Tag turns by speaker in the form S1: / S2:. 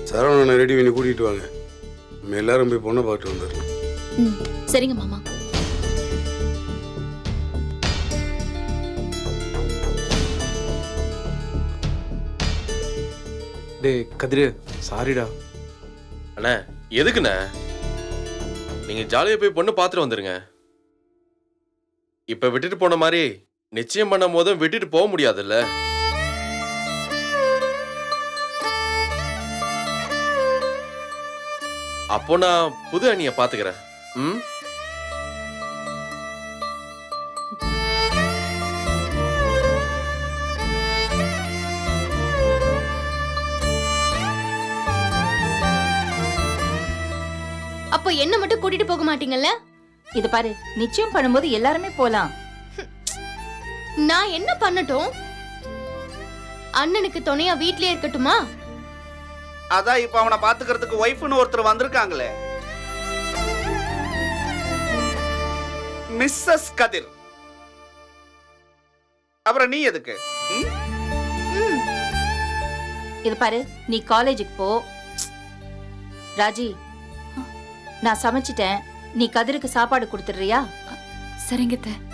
S1: சரவணனை ready பண்ணி கூட்டிகிட்டு வாங்க. நம்ம எல்லாரும் போய் பொண்ணை பார்த்துட்டு வந்துடலாம்.
S2: ம் சரிங்க மாமா.
S3: டேய் கதிரு, சாரிடா.
S4: அண்ணா எதுக்குண்ணே? நீங்க ஜாலியா போய் பொண்ணு பார்த்துட்டு வந்துருங்க. இப்ப விட்டுட்டு போன மாதிரி நிச்சயம் பண்ணும் போதும் விட்டுட்டு போக முடியாதுல்ல. அப்போ நான் புது அணியை பாத்துக்கிறேன். ம்
S2: அப்போ என்ன மட்டும் கூட்டிட்டு போக மாட்டீங்கல்ல?
S5: இது பாரு, நிச்சயம் பண்ணும்போது எல்லாருமே போலாம்.
S2: நான் என்ன பண்ணட்டும்? அண்ணனுக்கு துணையா வீட்லயே இருக்கட்டுமா?
S6: அதான் இப்ப அவனை பாத்துக்கிறதுக்கு ஒய்ஃப்னு ஒருத்தர் வந்திருக்காங்களே, மிஸ்ஸஸ் கதிர். அப்புறம் நீ எதுக்கு?
S5: இது பாரு, நீ காலேஜுக்கு போ. ராஜி, நான் சமைச்சிட்டேன், நீ கதிருக்கு சாப்பாடு கொடுத்துடுறியா?
S7: சரிங்க.